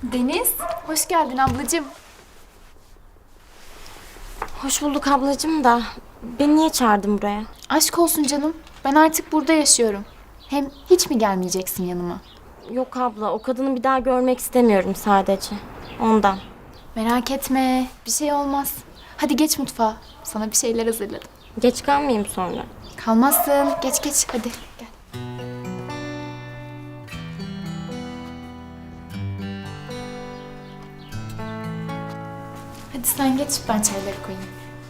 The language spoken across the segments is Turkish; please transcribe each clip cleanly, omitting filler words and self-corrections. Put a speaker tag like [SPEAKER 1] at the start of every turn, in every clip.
[SPEAKER 1] Deniz, hoş geldin ablacığım.
[SPEAKER 2] Hoş bulduk ablacığım da beni niye çağırdın buraya?
[SPEAKER 1] Aşk olsun canım, ben artık burada yaşıyorum. Hem hiç mi gelmeyeceksin yanıma?
[SPEAKER 2] Yok abla, o kadını bir daha görmek istemiyorum sadece. Ondan.
[SPEAKER 1] Merak etme, bir şey olmaz. Hadi geç mutfağa, sana bir şeyler hazırladım.
[SPEAKER 2] Geç kalmayayım sonra.
[SPEAKER 1] Kalmazsın, geç geç hadi gel. Hadi sen geç, ben çayları koyayım.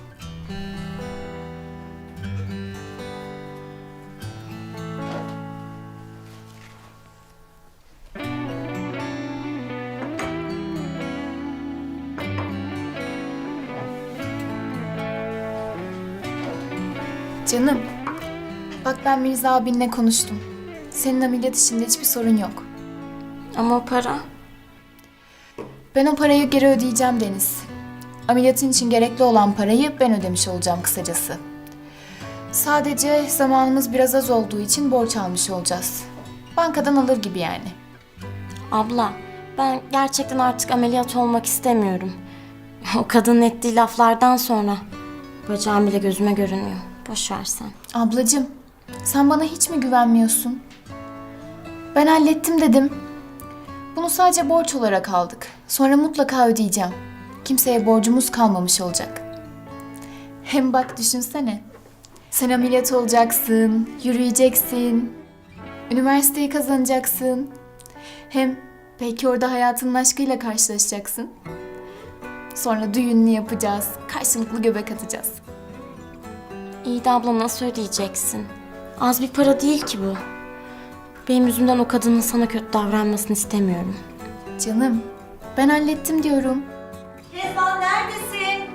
[SPEAKER 1] Canım, bak ben Mirza abinle konuştum. Senin ameliyat işinde hiçbir sorun yok.
[SPEAKER 2] Ama o para...
[SPEAKER 1] Ben o parayı geri ödeyeceğim Deniz. Ameliyatın için gerekli olan parayı ben ödemiş olacağım kısacası. Sadece zamanımız biraz az olduğu için borç almış olacağız. Bankadan alır gibi yani.
[SPEAKER 2] Abla, ben gerçekten artık ameliyat olmak istemiyorum. O kadının ettiği laflardan sonra bacağım bile gözüme görünmüyor. Boş ver sen.
[SPEAKER 1] Ablacığım, sen bana hiç mi güvenmiyorsun? Ben hallettim dedim. Bunu sadece borç olarak aldık. Sonra mutlaka ödeyeceğim. Kimseye borcumuz kalmamış olacak. Hem bak düşünsene. Sen ameliyat olacaksın, yürüyeceksin. Üniversiteyi kazanacaksın. Hem belki orada hayatının aşkıyla karşılaşacaksın. Sonra düğününü yapacağız. Karşılıklı göbek atacağız.
[SPEAKER 2] İyi de abla nasıl ödeyeceksin? Az bir para değil ki bu. Benim yüzümden o kadının sana kötü davranmasını istemiyorum.
[SPEAKER 1] Canım, ben hallettim diyorum.
[SPEAKER 3] Kezban neredesin?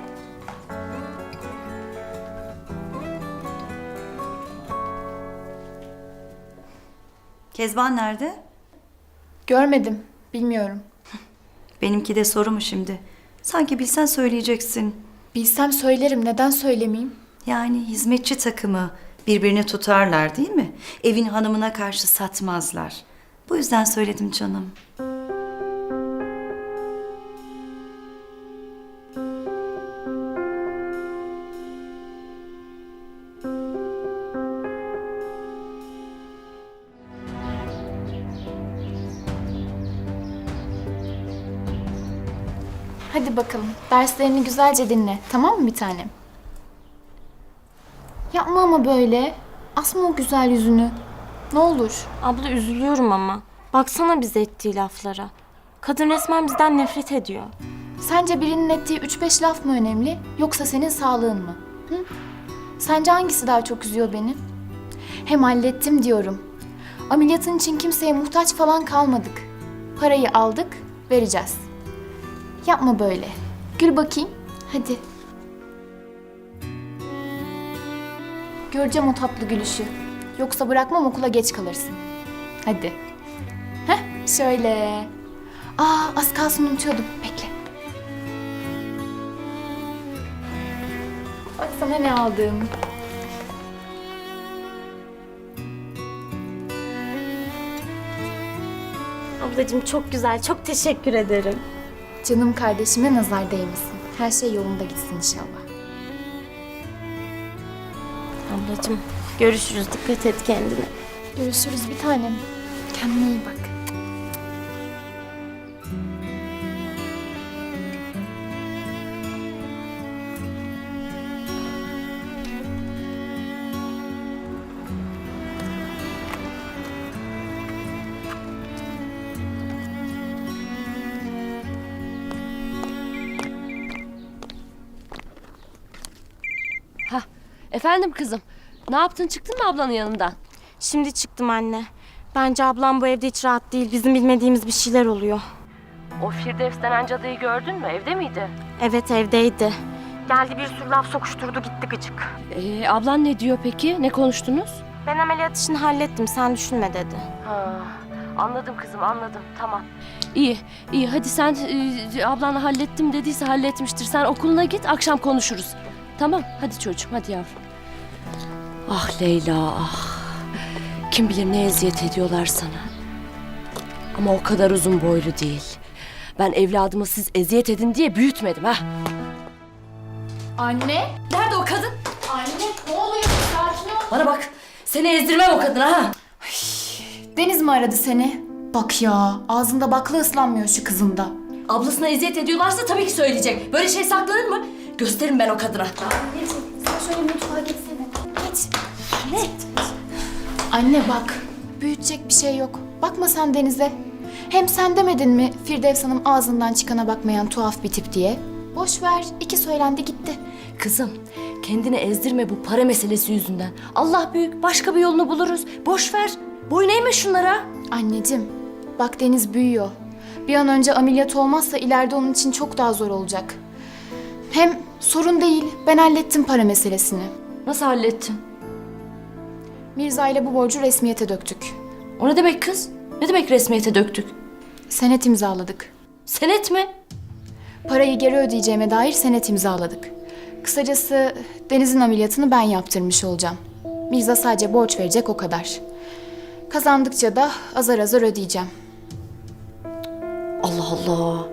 [SPEAKER 3] Kezban nerede?
[SPEAKER 1] Görmedim, bilmiyorum.
[SPEAKER 3] Benimki de soru mu şimdi? Sanki bilsen söyleyeceksin.
[SPEAKER 1] Bilsem söylerim, neden söylemeyeyim?
[SPEAKER 3] Yani hizmetçi takımı birbirini tutarlar değil mi? Evin hanımına karşı satmazlar. Bu yüzden söyledim canım.
[SPEAKER 1] Hadi bakalım, derslerini güzelce dinle, tamam mı bir tanem? Yapma ama böyle. Asma o güzel yüzünü. Ne olur.
[SPEAKER 2] Abla üzülüyorum ama. Baksana bize ettiği laflara. Kadın resmen bizden nefret ediyor.
[SPEAKER 1] Sence birinin ettiği 3-5 laf mı önemli, yoksa senin sağlığın mı? Hı? Sence hangisi daha çok üzüyor beni? Hem hallettim diyorum. Ameliyatın için kimseye muhtaç falan kalmadık. Parayı aldık, vereceğiz. Yapma böyle. Gül bakayım. Hadi. Göreceğim o tatlı gülüşü. Yoksa bırakmam, okula geç kalırsın. Hadi. Heh, şöyle. Az kalsın unutuyordum. Bekle. Bak sana ne aldım.
[SPEAKER 2] Ablacığım çok güzel, çok teşekkür ederim.
[SPEAKER 1] Canım kardeşime nazar değmesin. Her şey yolunda gitsin inşallah.
[SPEAKER 2] Ablacığım görüşürüz, dikkat et kendine.
[SPEAKER 1] Görüşürüz bir tanem. Kendine iyi bak.
[SPEAKER 4] Efendim kızım, ne yaptın, çıktın mı ablanın yanından?
[SPEAKER 2] Şimdi çıktım anne. Bence ablam bu evde hiç rahat değil. Bizim bilmediğimiz bir şeyler oluyor.
[SPEAKER 4] O Firdevs denen cadıyı gördün mü, evde miydi?
[SPEAKER 2] Evet evdeydi. Geldi bir sürü laf sokuşturdu gitti gıcık.
[SPEAKER 4] Ablan ne diyor peki, ne konuştunuz?
[SPEAKER 2] Ben ameliyat işini hallettim sen düşünme dedi.
[SPEAKER 4] Ha, anladım kızım, anladım, tamam. İyi, iyi, hadi sen ablanla hallettim dediyse halletmiştir. Sen okuluna git, akşam konuşuruz. Tamam, hadi çocuğum, hadi yavrum. Ah Leyla, ah. Kim bilir ne eziyet ediyorlar sana. Ama o kadar uzun boylu değil. Ben evladımı siz eziyet edin diye büyütmedim ha.
[SPEAKER 1] Anne?
[SPEAKER 4] Nerede o kadın?
[SPEAKER 1] Anne ne oluyor? Sakin ol.
[SPEAKER 4] Bana bak, seni ezdirmem o kadına ha.
[SPEAKER 1] Deniz mi aradı seni? Bak ya, ağzında bakla ıslanmıyor şu kızın da.
[SPEAKER 4] Ablasına eziyet ediyorlarsa tabii ki söyleyecek. Böyle şey saklanır mı? Gösteririm ben o kadına.
[SPEAKER 1] Anneciğim sen şöyle mutfağa geçsene. Geç. Ne? Anne bak, büyütecek bir şey yok. Bakma sen Deniz'e. Hem sen demedin mi Firdevs Hanım ağzından çıkana bakmayan tuhaf bir tip diye? Boş ver, 2 söylendi gitti.
[SPEAKER 4] Kızım, kendini ezdirme bu para meselesi yüzünden. Allah büyük, başka bir yolunu buluruz. Boş ver, boyun eğme şunlara.
[SPEAKER 1] Anneciğim, bak Deniz büyüyor. Bir an önce ameliyat olmazsa ileride onun için çok daha zor olacak. Hem sorun değil, ben hallettim para meselesini.
[SPEAKER 4] Nasıl hallettin?
[SPEAKER 1] Mirza ile bu borcu resmiyete döktük.
[SPEAKER 4] O ne demek kız? Ne demek resmiyete döktük?
[SPEAKER 1] Senet imzaladık.
[SPEAKER 4] Senet mi?
[SPEAKER 1] Parayı geri ödeyeceğime dair senet imzaladık. Kısacası Deniz'in ameliyatını ben yaptırmış olacağım. Mirza sadece borç verecek o kadar. Kazandıkça da azar azar ödeyeceğim.
[SPEAKER 4] Allah Allah.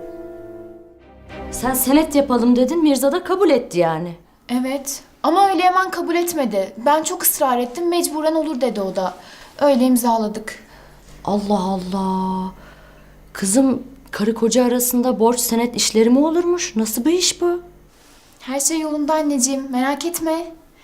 [SPEAKER 4] Sen senet yapalım dedin, Mirza da kabul etti yani.
[SPEAKER 1] Evet ama öyle hemen kabul etmedi. Ben çok ısrar ettim, mecburen olur dedi o da. Öyle imzaladık.
[SPEAKER 4] Allah Allah. Kızım, karı koca arasında borç senet işleri mi olurmuş? Nasıl bir iş bu?
[SPEAKER 1] Her şey yolunda anneciğim, merak etme.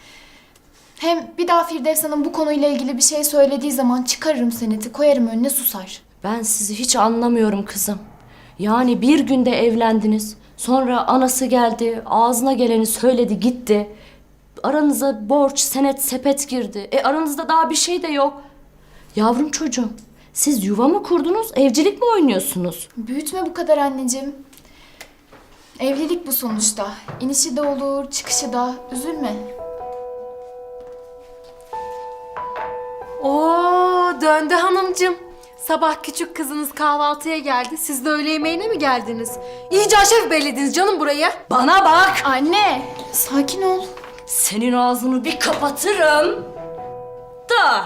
[SPEAKER 1] Hem bir daha Firdevs Hanım bu konuyla ilgili bir şey söylediği zaman çıkarırım seneti, koyarım önüne susar.
[SPEAKER 4] Ben sizi hiç anlamıyorum kızım. Yani bir günde evlendiniz. Sonra anası geldi, ağzına geleni söyledi gitti. Aranıza borç, senet, sepet girdi. Aranızda daha bir şey de yok. Yavrum çocuğum, siz yuva mı kurdunuz, evcilik mi oynuyorsunuz?
[SPEAKER 1] Büyütme bu kadar anneciğim. Evlilik bu sonuçta. İnişi de olur, çıkışı da. Üzülme.
[SPEAKER 5] Oo, döndü hanımcığım. Sabah küçük kızınız kahvaltıya geldi. Siz de öğle yemeğine mi geldiniz? İyice aşef bellediniz canım buraya.
[SPEAKER 4] Bana bak!
[SPEAKER 1] Anne, sakin ol.
[SPEAKER 4] Senin ağzını bir kapatırım. Da.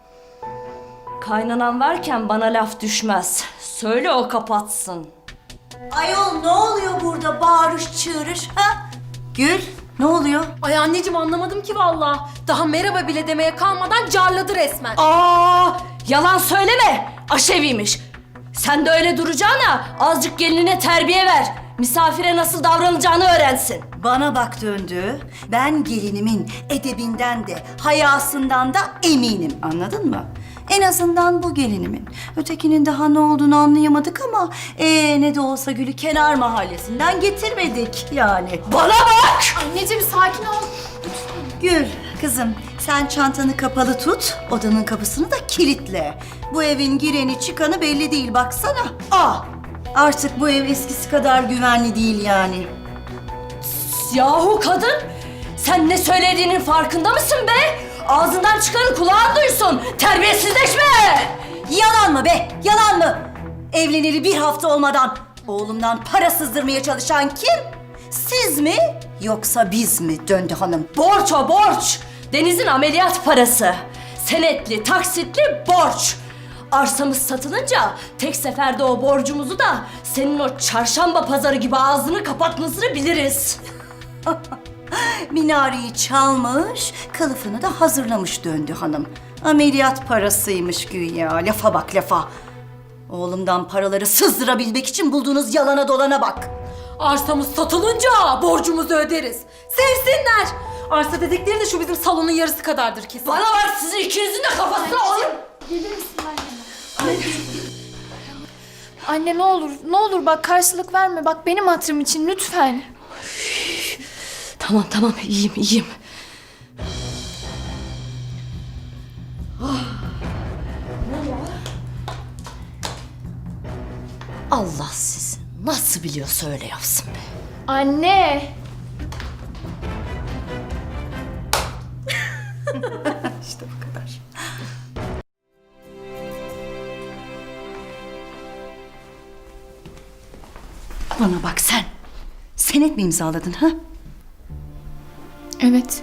[SPEAKER 4] Kaynanan varken bana laf düşmez. Söyle o kapatsın.
[SPEAKER 3] Ayol ne oluyor burada bağırış çığırış ha? Gül ne oluyor?
[SPEAKER 5] Ay anneciğim anlamadım ki vallahi. Daha merhaba bile demeye kalmadan carladı resmen.
[SPEAKER 4] Aa, yalan söyleme. Aşeviymiş. Sen de öyle duracağına azıcık gelinine terbiye ver. Misafire nasıl davranacağını öğrensin.
[SPEAKER 3] Bana bak döndü. Ben gelinimin edebinden de hayasından da eminim, anladın mı? En azından bu gelinimin. Ötekinin daha ne olduğunu anlayamadık ama ne de olsa Gül'ü kenar mahallesinden getirmedik yani.
[SPEAKER 4] Bana bak!
[SPEAKER 1] Anneciğim sakin ol.
[SPEAKER 3] Gül kızım sen çantanı kapalı tut, odanın kapısını da kilitle. Bu evin gireni çıkanı belli değil baksana. Artık bu ev eskisi kadar güvenli değil yani.
[SPEAKER 4] Yahu kadın! Sen ne söylediğinin farkında mısın be? Ağzından çıkanı kulağın duysun. Terbiyesizleşme!
[SPEAKER 3] Yalan mı be? Yalan mı? Evleneli bir hafta olmadan oğlumdan para sızdırmaya çalışan kim? Siz mi yoksa biz mi Döndü Hanım?
[SPEAKER 4] Borç o borç. Deniz'in ameliyat parası. Senetli, taksitli borç. Arsamız satılınca tek seferde o borcumuzu da senin o çarşamba pazarı gibi ağzını kapatmasını biliriz.
[SPEAKER 3] Minareyi çalmış, kılıfını da hazırlamış Döndü Hanım. Ameliyat parasıymış güya. Lafa bak lafa. Oğlumdan paraları sızdırabilmek için bulduğunuz yalana dolana bak.
[SPEAKER 5] Arsamız satılınca borcumuzu öderiz. Sevsinler. Arsa dedikleri de şu bizim salonun yarısı kadardır kesin.
[SPEAKER 4] Bana bak, sizin ikinizin de kafasına alın.
[SPEAKER 1] Gelir misin anne? Anne ne olur bak karşılık verme. Bak benim hatırım için lütfen.
[SPEAKER 4] Tamam iyiyim. Allah sizi nasıl biliyorsa öyle yapsın be.
[SPEAKER 1] Anne.
[SPEAKER 3] İşte bu kadar. Bana bak sen. Senet mi imzaladın ha?
[SPEAKER 1] Evet.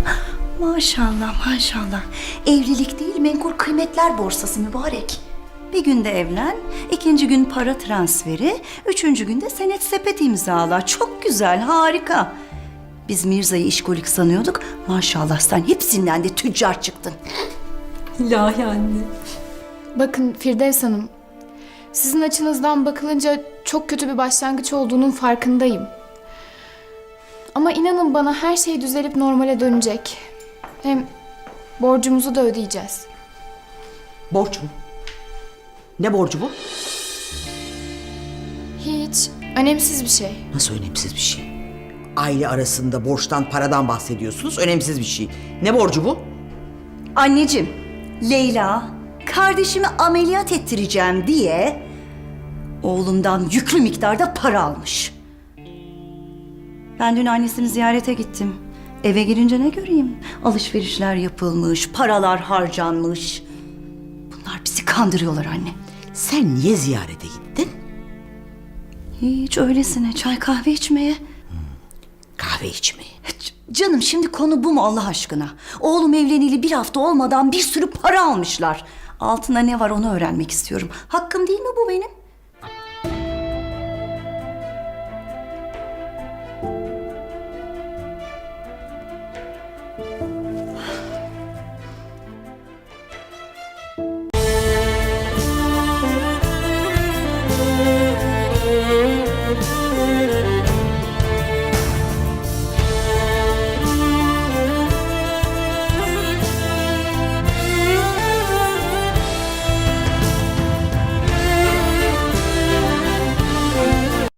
[SPEAKER 3] Maşallah maşallah. Evlilik değil menkul kıymetler borsası mübarek. Bir günde evlen, ikinci gün para transferi, üçüncü günde senet sepet imzala. Çok güzel, harika. Biz Mirza'yı işkolik sanıyorduk. Maşallah sen hepsinden de tüccar çıktın.
[SPEAKER 5] İlahi anne.
[SPEAKER 1] Bakın Firdevs Hanım, sizin açınızdan bakılınca çok kötü bir başlangıç olduğunun farkındayım. Ama inanın bana her şey düzelip normale dönecek. Hem borcumuzu da ödeyeceğiz.
[SPEAKER 6] Borç mu? Ne borcu bu?
[SPEAKER 1] Hiç önemsiz bir şey.
[SPEAKER 6] Nasıl önemsiz bir şey? Aile arasında borçtan, paradan bahsediyorsunuz. Önemsiz bir şey. Ne borcu bu?
[SPEAKER 3] Anneciğim, Leyla kardeşimi ameliyat ettireceğim diye oğlumdan yüklü miktarda para almış. Ben dün annesini ziyarete gittim. Eve girince ne göreyim? Alışverişler yapılmış, paralar harcanmış. Bunlar bizi kandırıyorlar anne.
[SPEAKER 6] Sen niye ziyarete gittin?
[SPEAKER 3] Hiç öylesine çay kahve içmeye.
[SPEAKER 6] Kahve içmeye.
[SPEAKER 3] Canım şimdi konu bu mu Allah aşkına? Oğlum evleneli bir hafta olmadan bir sürü para almışlar. Altında ne var onu öğrenmek istiyorum. Hakkım değil mi bu benim?